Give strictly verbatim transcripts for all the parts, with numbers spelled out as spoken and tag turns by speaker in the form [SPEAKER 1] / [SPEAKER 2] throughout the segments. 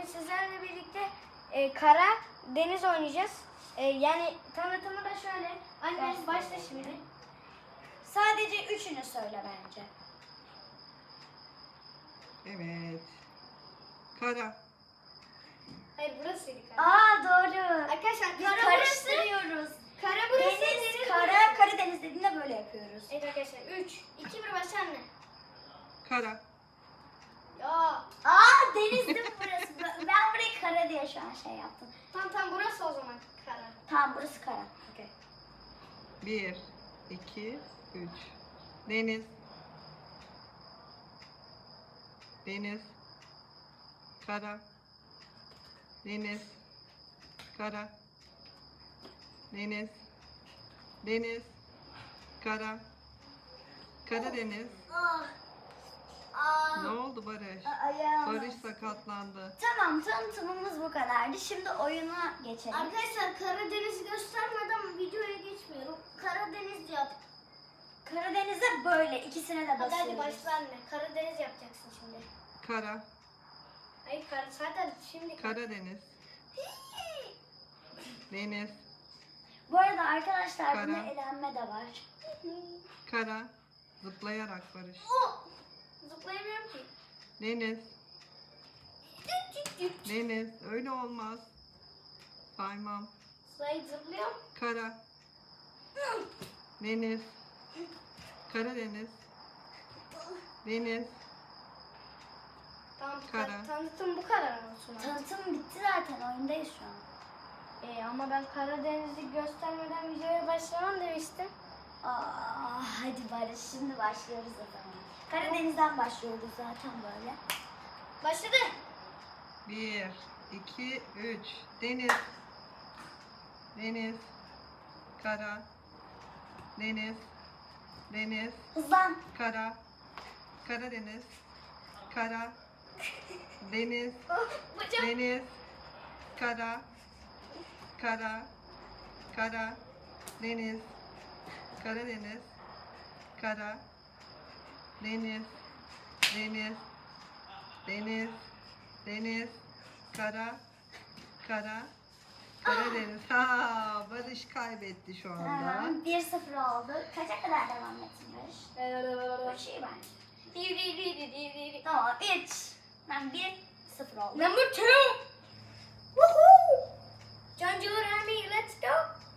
[SPEAKER 1] bugün sizlerle birlikte e, kara deniz oynayacağız. E, yani tanıtımı da şöyle. Anne başla şimdi.
[SPEAKER 2] Sadece üçünü söyle bence.
[SPEAKER 3] Evet. Kara.
[SPEAKER 1] Hayır burasıydı kara.
[SPEAKER 2] Aa doğru.
[SPEAKER 1] Arkadaşlar
[SPEAKER 2] Biz
[SPEAKER 1] kara burası.
[SPEAKER 2] karıştırıyoruz.
[SPEAKER 1] Kara burası.
[SPEAKER 2] Deniz, kara, Karadeniz dediğinde böyle yapıyoruz.
[SPEAKER 1] Evet arkadaşlar üç, iki, bir başla anne.
[SPEAKER 3] Kara.
[SPEAKER 1] Ya.
[SPEAKER 2] Aa denizdi burası. Ben ben burayı kara diye şu an şey yaptım.
[SPEAKER 1] Tamam tamam burası o zaman kara.
[SPEAKER 2] Tamam burası kara.
[SPEAKER 1] Okay.
[SPEAKER 3] Bir, iki, üç. Deniz. Deniz. Kara. Deniz. Kara. Deniz. Deniz. Kara. Karadeniz.
[SPEAKER 2] Ah. Aa.
[SPEAKER 3] Ne oldu Barış?
[SPEAKER 2] Ayağım.
[SPEAKER 3] Barış sakatlandı.
[SPEAKER 2] Tamam tanıtımımız bu kadardı. Şimdi oyuna geçelim.
[SPEAKER 1] Arkadaşlar Karadeniz'i göstermeden videoya geçmiyorum. Karadeniz yap.
[SPEAKER 2] Karadeniz'e böyle ikisine de
[SPEAKER 1] Hadi
[SPEAKER 2] basıyoruz.
[SPEAKER 1] hadi başla anne. Karadeniz yapacaksın şimdi.
[SPEAKER 3] Kara.
[SPEAKER 1] Hayır kara zaten şimdi.
[SPEAKER 3] Karadeniz. Deniz.
[SPEAKER 2] Bu arada arkadaşlar
[SPEAKER 3] Kara.
[SPEAKER 2] bunda elenme de var.
[SPEAKER 3] Kara. Zıplayarak Barış.
[SPEAKER 1] Oh! Zıplayamıyorum ki.
[SPEAKER 3] Deniz. Deniz. Öyle olmaz. Saymam.
[SPEAKER 1] Zıplayıp zıplıyorum.
[SPEAKER 3] Kara. Deniz. Karadeniz. Deniz.
[SPEAKER 1] Tamam
[SPEAKER 3] Kara.
[SPEAKER 1] Kara. tanıtım bu kadar olsun.
[SPEAKER 2] Tanıtım bitti zaten oyundayız şu an.
[SPEAKER 1] Ee, ama ben Karadeniz'i göstermeden videoya başlamam demiştim.
[SPEAKER 2] Aa, hadi Barış şimdi başlıyoruz o zaman. Karadeniz'den başlıyoruz zaten böyle.
[SPEAKER 1] Başladı.
[SPEAKER 3] Bir, iki, üç. Deniz. Deniz. Kara. Deniz. Deniz.
[SPEAKER 2] Hızlan.
[SPEAKER 3] Kara. Karadeniz. Kara. Deniz.
[SPEAKER 1] Bacak.
[SPEAKER 3] Deniz. Kara. Kara. Kara. Deniz. Karadeniz. Kara. Deniz. Deniz. Deniz. Deniz. Kara. Kara. Karadeniz. Ha, Barış kaybetti şu anda.
[SPEAKER 2] Tamam, bir sıfır oldu. Kaça kadar devam etsin Barış? üç iyi bence.
[SPEAKER 1] Di, di, di, di, di, di, di.
[SPEAKER 2] Tamam üç. Ben bir sıfır oldu.
[SPEAKER 1] Number two. Woohoo! John Jewel Army, let's go.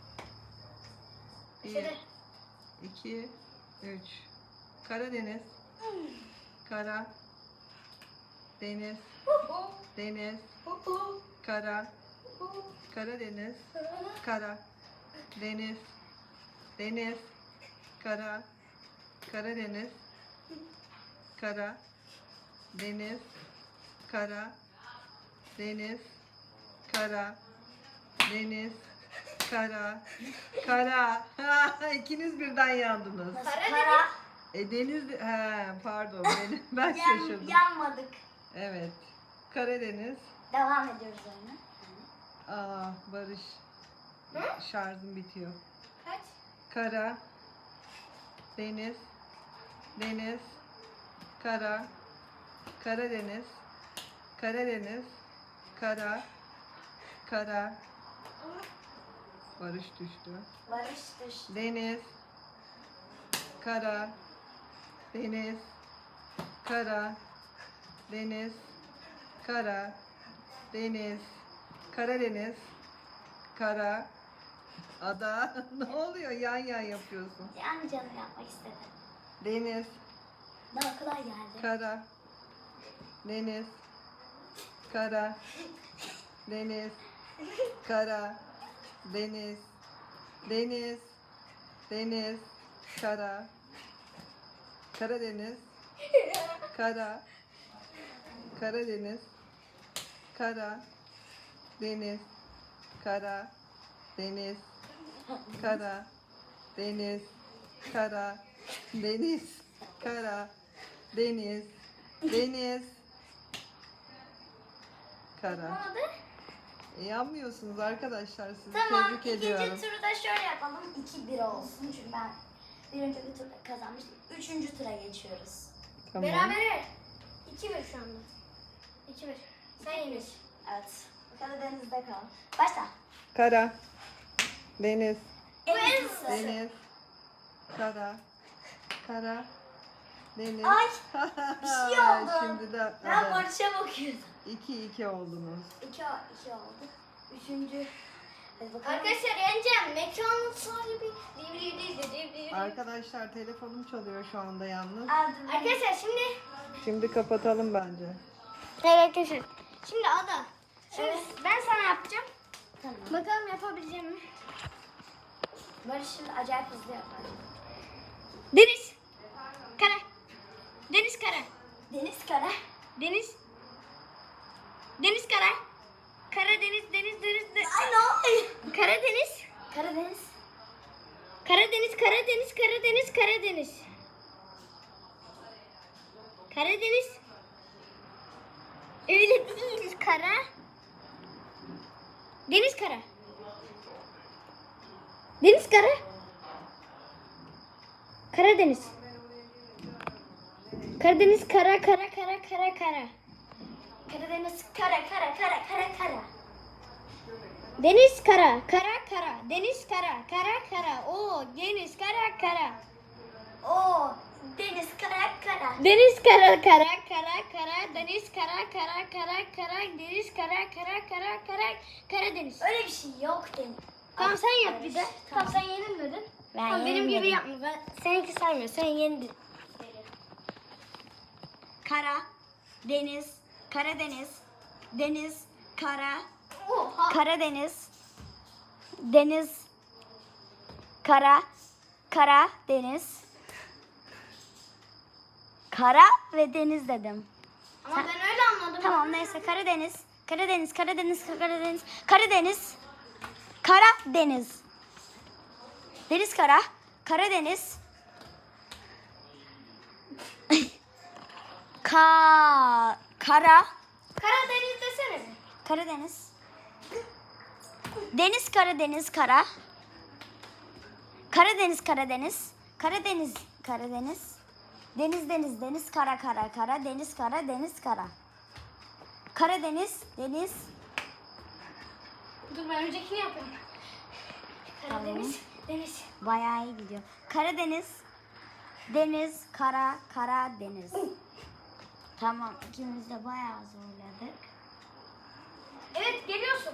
[SPEAKER 3] Bir,
[SPEAKER 1] Başladı.
[SPEAKER 3] iki, üç. Karadeniz. Kara. Deniz.
[SPEAKER 1] Woohoo!
[SPEAKER 3] Deniz.
[SPEAKER 1] Woohoo!
[SPEAKER 3] Kara.
[SPEAKER 1] Woohoo!
[SPEAKER 3] Karadeniz. Kara. Deniz. Deniz. Kara. Karadeniz. Kara. Deniz. Kara. Deniz. Kara. Deniz. Kara. Kara. Ha, İkiniz birden yandınız.
[SPEAKER 2] Nasıl?
[SPEAKER 1] Karadeniz.
[SPEAKER 2] Kara.
[SPEAKER 3] E deniz he pardon benim ben
[SPEAKER 2] Yan,
[SPEAKER 3] şaşırdım.
[SPEAKER 2] yanmadık.
[SPEAKER 3] Evet. Karadeniz.
[SPEAKER 2] Devam ediyoruz oyuna.
[SPEAKER 3] Aa Barış.
[SPEAKER 1] Hı?
[SPEAKER 3] Şarjım bitiyor.
[SPEAKER 1] Kaç?
[SPEAKER 3] Kara. Deniz. Deniz. Kara. Karadeniz. Karadeniz. Kara. Kara. Barış düştü.
[SPEAKER 2] Barış düştü.
[SPEAKER 3] Deniz. Kara. Deniz. Kara. Deniz. Kara. Deniz. Karadeniz. Kara. Ada. Ne oluyor? Yan yan yapıyorsun.
[SPEAKER 2] Yani canım yapmak istedim.
[SPEAKER 3] Deniz.
[SPEAKER 2] Daha kolay geldi.
[SPEAKER 3] Kara. Deniz. Kara. Deniz. Kara. Deniz. Deniz. Deniz. Kara. Karadeniz. Kara. Karadeniz. Kara. Deniz. Kara. Deniz. Kara. Deniz. Kara. Deniz. Kara. Deniz. Deniz. Kara.
[SPEAKER 1] Olmadı.
[SPEAKER 3] E, yanmıyorsunuz arkadaşlar. Sizi
[SPEAKER 2] Tamam
[SPEAKER 3] tebrik
[SPEAKER 2] ikinci
[SPEAKER 3] ediyorum.
[SPEAKER 2] turu da şöyle yapalım. iki bir olsun çünkü ben birinci bir turda kazanmıştım. Üçüncü tura geçiyoruz.
[SPEAKER 3] Tamam.
[SPEAKER 1] Berabere. iki bir şu anda. iki bir. Sen yenir.
[SPEAKER 2] Evet. Karadeniz'de kal. Başla.
[SPEAKER 3] Kara, deniz,
[SPEAKER 2] En hızlısı.
[SPEAKER 3] deniz, kara, kara, deniz.
[SPEAKER 2] Ay, bir şey oldu.
[SPEAKER 3] Şimdi de
[SPEAKER 2] Ben
[SPEAKER 3] ada.
[SPEAKER 2] Barış'a bakıyordum.
[SPEAKER 3] iki iki oldunuz.
[SPEAKER 2] İki, iki oldu. Üçüncü. Hadi bakalım.
[SPEAKER 1] Arkadaşlar yeneceğim. Mekanın sahibi. Divri divri divri.
[SPEAKER 3] Arkadaşlar telefonum çalıyor şu anda yalnız.
[SPEAKER 2] Aldım.
[SPEAKER 1] Arkadaşlar şimdi.
[SPEAKER 3] Şimdi kapatalım bence.
[SPEAKER 1] Evet arkadaşlar. Şimdi Ada. Şimdi
[SPEAKER 2] Evet.
[SPEAKER 1] ben sana yapacağım.
[SPEAKER 2] Tamam.
[SPEAKER 1] Bakalım yapabileceğim mi?
[SPEAKER 2] Barış şimdi acayip hızlı yapar.
[SPEAKER 1] Deniz. Kara. Deniz kara.
[SPEAKER 2] Deniz kara.
[SPEAKER 1] Deniz. Deniz kara. Karadeniz deniz deniz deniz.
[SPEAKER 2] Ay ne oluyor?
[SPEAKER 1] Karadeniz.
[SPEAKER 2] Karadeniz.
[SPEAKER 1] Karadeniz Karadeniz Karadeniz Karadeniz. Karadeniz. Öyle değil kara. Deniz kara. Deniz kara. Karadeniz. Karadeniz kara kara kara kara kara.
[SPEAKER 2] Karadeniz kara kara kara kara kara.
[SPEAKER 1] Deniz kara kara kara. Deniz kara kara kara. O deniz kara kara.
[SPEAKER 2] Oo, deniz kara kara.
[SPEAKER 1] Deniz kara kara kara kara. Deniz kara kara kara kara. Deniz kara kara kara kara. Karadeniz.
[SPEAKER 2] Öyle bir şey yok deniz.
[SPEAKER 1] Tamam sen yap bir de.
[SPEAKER 2] Barış,
[SPEAKER 1] Tamam sen yenilmedin.
[SPEAKER 2] Ben
[SPEAKER 1] Tamam, benim gibi
[SPEAKER 2] yenilmedim.
[SPEAKER 1] yapma. Ben, seninki saymıyor. Sen yenildin.
[SPEAKER 2] Kara, deniz, Karadeniz, deniz, kara,
[SPEAKER 1] Oha.
[SPEAKER 2] Karadeniz, deniz, kara, kara, deniz, kara ve deniz dedim.
[SPEAKER 1] Ama ben öyle anladım.
[SPEAKER 2] Tamam neyse Karadeniz, Karadeniz, Karadeniz, Karadeniz, Karadeniz, Karadeniz, deniz kara, Karadeniz, ka, kara,
[SPEAKER 1] Karadeniz desene. bir.
[SPEAKER 2] Karadeniz, deniz, Karadeniz, kara, Karadeniz, Karadeniz, Karadeniz, Karadeniz, deniz, deniz, deniz, kara, kara, kara, deniz, kara, deniz, kara. Karadeniz, deniz,
[SPEAKER 1] Dur ben öncekini yapayım. Karadeniz, deniz.
[SPEAKER 2] bayağı iyi gidiyor. Karadeniz, deniz, kara, kara, deniz. Tamam, ikimiz de bayağı zorladık.
[SPEAKER 1] Evet geliyorsun.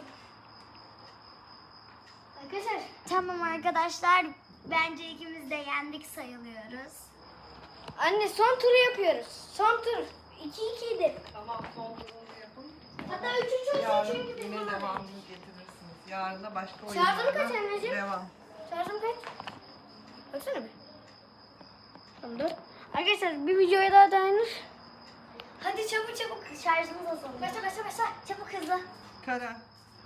[SPEAKER 1] Arkadaşlar.
[SPEAKER 2] Tamam arkadaşlar, bence ikimiz de yendik sayılıyoruz.
[SPEAKER 1] Anne son turu yapıyoruz. Son tur. iki ikiydi.
[SPEAKER 3] Tamam son turunu yapın.
[SPEAKER 1] Hatta üçüncü olsun
[SPEAKER 3] Yarın
[SPEAKER 1] çünkü biz
[SPEAKER 3] yine
[SPEAKER 1] bunu
[SPEAKER 3] devamını getirirsiniz. Yarın da başka
[SPEAKER 1] Şarjım
[SPEAKER 3] oyunlarla
[SPEAKER 1] kaç anneciğim?
[SPEAKER 3] devam.
[SPEAKER 1] Şarjım kaç? Baksana bir. Tamam dur. Arkadaşlar bir videoya daha dayanır.
[SPEAKER 2] Hadi çabuk çabuk, şarjımız azalıyor.
[SPEAKER 1] Başla başla başla.
[SPEAKER 2] Çabuk hızlı.
[SPEAKER 3] Kara.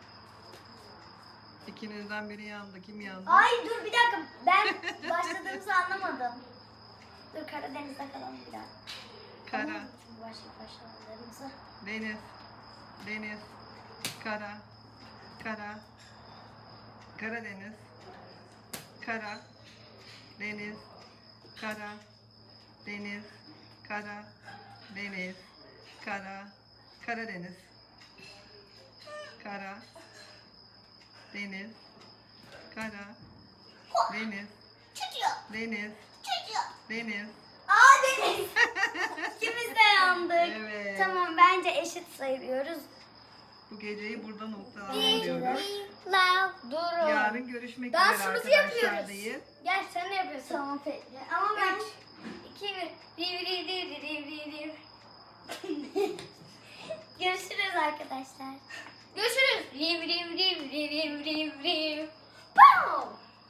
[SPEAKER 3] İkinizden biri yandı. Kim yandı?
[SPEAKER 2] Ay dur bir dakika, ben başladığımızı anlamadım. Dur Karadeniz'de kalalım bir dakika.
[SPEAKER 3] Kara,
[SPEAKER 2] Şimdi başla başlamalarımıza.
[SPEAKER 3] deniz, deniz, kara, kara, Karadeniz, kara, deniz, kara, deniz, kara, deniz, kara, Karadeniz, kara, deniz, kara, deniz,
[SPEAKER 2] Çocuğu,
[SPEAKER 3] deniz,
[SPEAKER 2] çocuğu.
[SPEAKER 3] deniz.
[SPEAKER 2] Aa deniz. İkimiz de yandık.
[SPEAKER 3] Evet.
[SPEAKER 2] Tamam bence eşit sayılıyoruz.
[SPEAKER 3] Bu geceyi burada noktalandırıyoruz.
[SPEAKER 1] La dur.
[SPEAKER 3] Yarın görüşmek üzere
[SPEAKER 1] Dansımızı
[SPEAKER 3] arkadaşlar
[SPEAKER 1] yapıyoruz.
[SPEAKER 3] değil.
[SPEAKER 1] Gel sen ne yapıyorsun?
[SPEAKER 2] Tamam peki. Ama ben...
[SPEAKER 1] Üç, iki, bir. Div, div, div, div, div, div.
[SPEAKER 2] Görüşürüz arkadaşlar.
[SPEAKER 1] Görüşürüz. Riv riv riv riv riv riv riv. Pow!